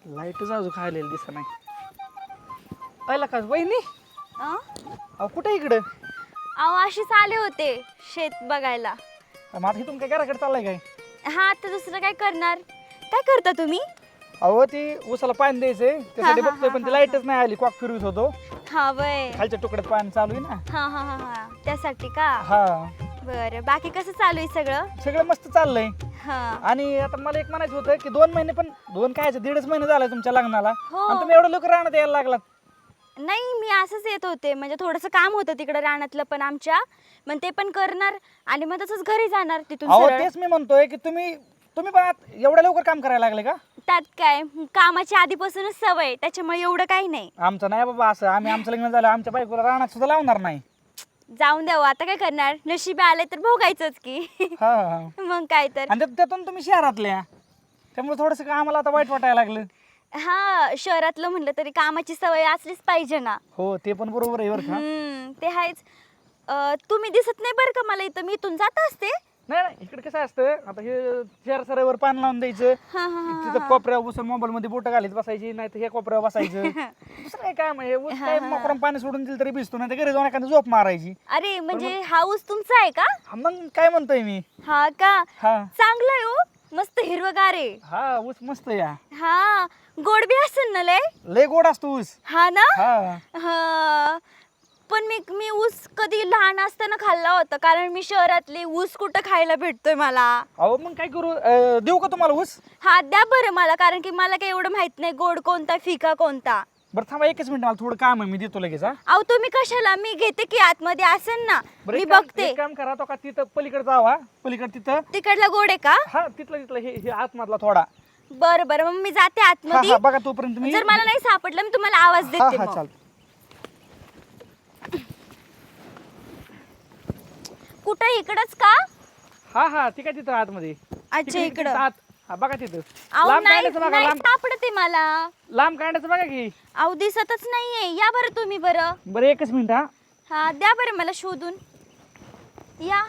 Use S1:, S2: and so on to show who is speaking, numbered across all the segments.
S1: लाईटच अजून खायला दिसत नाही. पहिला का वहिनी अहो कुठे इकडं?
S2: अहो अशीच आले होते शेत बघायला.
S1: माझं इथून काय घराकडे चाललाय काय?
S2: हा आता दुसरं काय करणार? काय करता तुम्ही?
S1: अहो ती उसाला पाणी द्यायचंय त्यासाठी
S2: हा,
S1: बघतोय पण ती लाईटच नाही आली. कॉक फिरवत होतो
S2: हा वय
S1: खालच्या तुकड्यात पाणी चालू आहे ना.
S2: हा हा हा हा त्यासाठी का?
S1: हा
S2: बरं बाकी कसं चालू आहे सगळं?
S1: सगळं मस्त चाललंय.
S2: हा
S1: आणि आता मला एक म्हणायचं होतं की 2 महिने पण 2 काय 1.5 महिने झालाय तुमच्या लग्नाला
S2: हो.
S1: आणि तुम्ही एवढं लवकर राहण्यात यायला लागलात.
S2: नाही मी असंच येत होते म्हणजे थोडंसं काम होतं तिकडे रानातलं पण आमच्या मग ते पण करणार आणि मग तसंच घरी जाणार तिथून
S1: अहो
S2: सरळ.
S1: तेच मी म्हणतोय की तुम्ही पण एवढ्या लवकर काम करायला लागले का?
S2: त्यात काय कामाची आधीपासूनच सवय त्याच्यामुळे एवढं काही नाही.
S1: आमचं नाही बाबा असं. आम्ही आमचं लग्न झालं आमच्या बायकोला रानात सुद्धा लावणार नाही.
S2: जाऊन द्यावं आता काय करणार नशिबी आले तर भोगायचंच की.
S1: हा हा
S2: मग काय तर.
S1: आणि त्यातून तुम्ही शहरातल्या त्यामुळे थोडस आम्हाला आता वाईट वाटायला लागलं.
S2: हा शहरातलं म्हणलं तरी कामाची सवय असलीच पाहिजे ना.
S1: हो ते पण बरोबर आहे बरं का.
S2: ते आहेच. तुम्ही दिसत नाही बरं का मला इथं मी इथून जात असते.
S1: नाही नाही इकडे कसं असतं आता हे शहर सरावर पाणी लावून द्यायचं.
S2: हा हा हा
S1: तिथं कोपऱ्यावर बसून मोबाईल मध्ये बोट घालीत बसायची नाही तर हे कोपऱ्यावर बसायचं. दुसरं काय काम आहे ऊस काय मोकरम पाणी सोडून दिलं तरी भिजतो नाही तर घरी जाऊन एखादी झोप मारायची.
S2: अरे म्हणजे हा ऊस तुमचा आहे का?
S1: हा, मग काय म्हणतोय मी.
S2: हा का?
S1: हा
S2: चांगलं आहे हो मस्त हिरवगार आहे.
S1: हा ऊस मस्त या.
S2: हा गोड बी असेल ना
S1: लय गोड असतो ऊस.
S2: हा ना.
S1: हा
S2: हा पण मी ऊस कधी लहान असताना खाल्ला होता कारण मी शहरातली ऊस कुठं खायला भेटतोय मला.
S1: अहो मग काय करू देऊ का तुम्हाला ऊस?
S2: हा द्या बरं मला कारण की मला काही एवढं माहित नाही गोड कोणता फिका कोणता.
S1: बरं थांबा एकच मिनिट मला थोडं काम आहे मी देतो लगेच. हा
S2: अहो तुम्ही कशाला मी घेते की आतमध्ये असेल ना
S1: बरं
S2: मी
S1: एक काम-
S2: बघते.
S1: एक काम करा तो का तिथं पलीकडे जावा पलीकडे तिथं.
S2: तिकडला गोड आहे का?
S1: हा तिथलं हे आतमधला थोडा.
S2: बरं बरं मग मी जाते
S1: हा
S2: आतमध्ये.
S1: हा बघा तोपर्यंत मी.
S2: जर मला नाही सापडलं मी तुम्हाला आवाज
S1: हा
S2: देते
S1: हा
S2: मग.
S1: चालतं.
S2: कुठं इकडच का?
S1: हा हा ठीक आहे तिथं आतमध्ये.
S2: अच्छा
S1: तिकडे-
S2: इकडं.
S1: तिकडे आत. हा बघा तिथं.
S2: अहो
S1: लांब
S2: नाही
S1: काढायचं बघा
S2: नाही
S1: लांब.
S2: सापडते मला.
S1: लांब काढायचं बघा की.
S2: अहो दिसतच नाहीये या बरं तुम्ही बरं.
S1: बरं एकच मिनिट. हा
S2: हा द्या बरं मला शोधून या.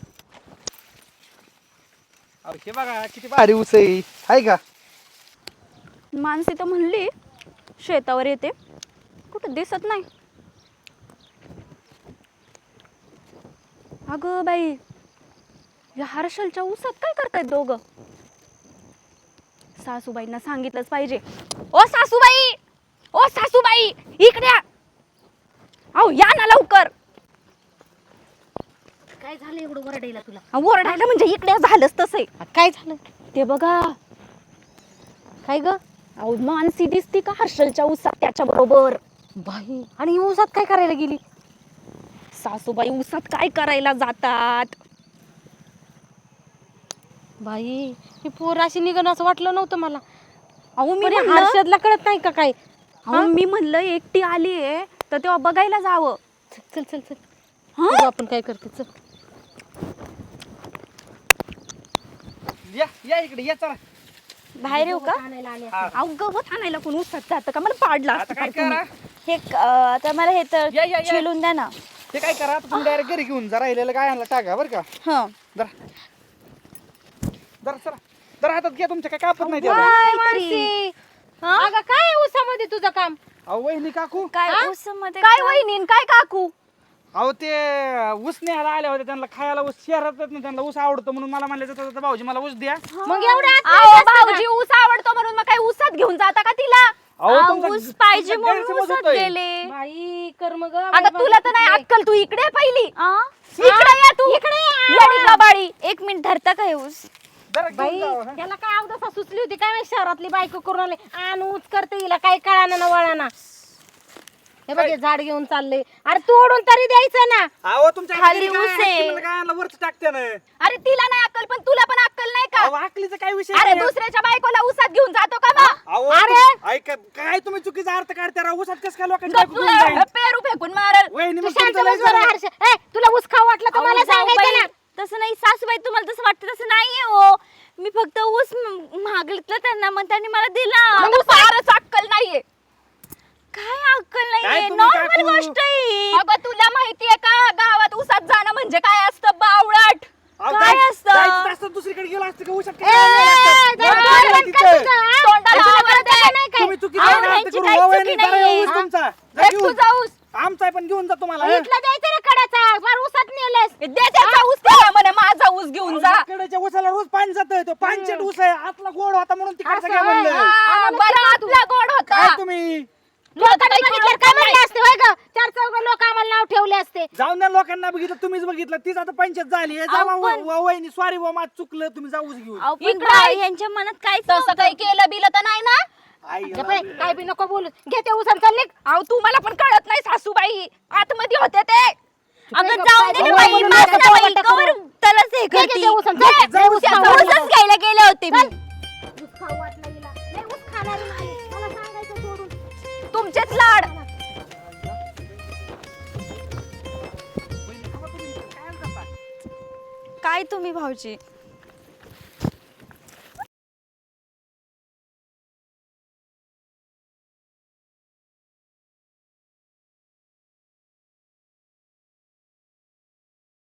S1: अहो, हे बघा किती भारी ऊस आहे का?
S2: माणसे तर म्हणली शेतावर येते कुठं दिसत नाही. अगं बाई या हर्षलच्या ऊसात काय करतायत दोघं? सासूबाईंना सांगितलंच पाहिजे. ओ सासूबाई ओ सासूबाई इकडे या. अहो या ना लवकर.
S3: काय झालं एवढं वरडायला तुला?
S2: ओरडायला म्हणजे इकडे झालंच तसं आहे.
S3: काय झालं?
S2: ते बघा
S3: काय ग
S2: अहो मानसी दिसती का हर्षलच्या ऊसात त्याच्या बरोबर.
S3: बाई आणि ऊसात काय करायला गेली?
S2: सासूबाई ऊसात काय करायला जातात?
S3: बाई ही पोर अशी निघणं असं वाटलं नव्हतं मला.
S2: अहो मी
S3: पण या
S2: म्हणलं
S3: हर्षदला कळत नाही का काय?
S2: अहो मी म्हणलं एकटी आली आहे तर तेव्हा बघायला जावं.
S3: चल चल चल
S2: हा?
S3: बघू आपण काय करते. चल
S1: या इकडे या चला.
S2: बाहेर येऊ का?
S3: आणायला आले.
S1: हा.
S2: अहो गवत आणायला कोण ऊसात जातं का? मला पाडला
S1: आता काय करा?
S2: हे आता मला हे तर
S1: या, या, या.
S2: चिलून द्या ना.
S1: ते काय करा आता तुम्ही डायरेक्ट घरी घेऊन जा. राहिलेलं काय आणलं टाका बरं का.
S2: हं
S1: जरा जरा चला जरा हातात घ्या तुमच्या काय कापत नाही त्याला.
S3: काय
S2: काहीतरी.
S3: मानसी?
S2: हा?
S3: अगं काय आहे ऊसामध्ये तुझं काम?
S1: अहो वहिनी काकू.
S2: काय
S3: हा?
S2: ऊसामध्ये
S3: काय वहिनी काय काकू?
S1: अहो ते ऊस न्यायला आले होते त्यांना खायला ऊस शहरात ना त्यांना ऊस आवडतो म्हणून मला म्हणले जातात भाऊजी मला ऊस द्या.
S3: मग एवढ्या आत
S2: अहो
S3: नाही जास्त
S2: भाऊजी ऊस आवडतो म्हणून मग काय ऊसात घेऊन जाता का तिला?
S1: अहो,
S2: अहो,
S1: तुमचा-
S2: ऊस पाहिजे
S1: तुमचा
S2: म्हणून
S1: गैरसमज
S2: ऊसात
S1: होतोय.
S2: गेले.
S3: बाई कर्म ग.
S2: अगं तुला तर नाही अक्कल तू इकडे ये पहिली.
S3: हा?
S2: इकडे या तू.
S3: इकडे ये.
S2: येडी गबाळी. 1 मिनिट धरता का हे ऊस?
S1: जरा घेऊन
S3: बाई
S1: जावा, हा.
S3: त्याला काय अवदसा सुचली होती काय माहित शहरातली बायको करून आले आण ऊच करते हिला काय कळाना ना वळाना. हे बघ हे झाड घेऊन चालले. अरे तोडून तरी द्यायचं ना.
S1: अहो तुमच्या
S2: खाली
S1: घरी काय
S2: ऊस आहे.
S1: आहे? काय आणलं वरच टाकते ना.
S2: अरे तिला नाही अक्कल पण तुला पण अक्कल नाही का?
S1: अहो आकलीचा काय विषय
S2: अरे
S1: नाही.
S2: दुसऱ्याच्या बायकोला ऊसात घेऊन जातो का मग?
S1: अहो
S2: अरे
S1: ऐका काय तुम्ही चुकीचा अर्थ काढता राव. ऊसात कसं काय लोकांची
S2: गप
S1: बायको घेऊन
S2: तुला
S1: जाईल?
S2: पेरू फेकून मारल.
S1: वहिनी
S3: तू
S1: मग
S3: शांत
S1: तुमचं लय
S3: बस जरा
S1: झालं.
S3: हर्ष. ए तुला ऊस खाऊ वाटलं तर मला
S2: अहो,
S3: सांगायचं
S2: जाऊबाई,
S3: ना.
S2: तसं नाही सासूबाई तुम्हाला तसं वाटतं तसं नाहीये हो. मी फक्त ऊस मागितलं त्यांना मग त्यांनी मला दिला.
S3: मग
S2: फारच अक्कल नाहीये. काय अक्कल
S1: काय
S2: नाहीये?
S1: तुम्ही
S2: नॉर्मल
S1: काकू?
S2: गोष्ट आहे. अगं तुला माहितीये का गावात ऊसात जाणं म्हणजे काय असतं बावळट?
S1: अहो,
S2: काय
S1: जायचं
S2: असतं?
S1: दुसरीकडे गेलो असतं का ऊसात
S3: ए,
S1: काय आणलं असतं?
S3: जरा
S1: बरं,
S3: बोल
S1: तिथं.
S3: का तुझं, हा?
S2: तोंडाला
S3: तुला
S2: आवाज
S3: कळतं का
S2: आहे.
S3: नाही काय?
S1: जातोय तो पांचट ऊस आहे आतला गोड होता म्हणून तिकडचं
S3: असं
S1: काय म्हणलं
S3: होय.
S2: बरं आतला गोड होता.
S1: काय तुम्ही
S3: लोकांनी बघितलं काय म्हणले असते होय ग 4 लोक आम्हाला नाव ठेवले असते.
S1: जाऊन द्या लोकांना बघितलं तुम्हीच बघितलं तीच आता पंचायत झाली आहे. जावा
S2: पण-
S1: वहिनी सॉरी बा माझं चुकलं तुम्ही जाऊच घेऊन
S2: अहो, पण
S4: इकडं आहे.
S2: यांच्या मनात काहीच
S4: तसं
S2: नव्हतं.
S4: काही केलं बिलं तर नाही ना?
S1: आई
S3: गप्प आहे, काय बी नको बोलू घे ते उसन चालले.
S4: अहो तुम्हाला पण कळत नाही सासूबाई आतमध्ये होते ते.
S2: अगं
S3: गप्प
S2: जाऊन
S3: आहे,
S2: दे ना
S3: गप्प
S2: बाई,
S3: आहे,
S2: माझं
S3: गप्प
S2: बाई,
S3: आहे,
S2: कवर त्यालाच हे
S3: घे, घे
S2: करती.
S3: ते उसन, चल.
S2: घे,
S3: जाऊ
S2: ऊस-
S3: खाऊ
S2: ऊसच घ्यायला गेले होते मी.
S3: ऊस खाऊ वाटलं हिला. लय ऊस खाणारी नाही. मला सांगायचं सोडून.
S4: तुमचेच लाड.
S2: काय तुम्ही भाऊजी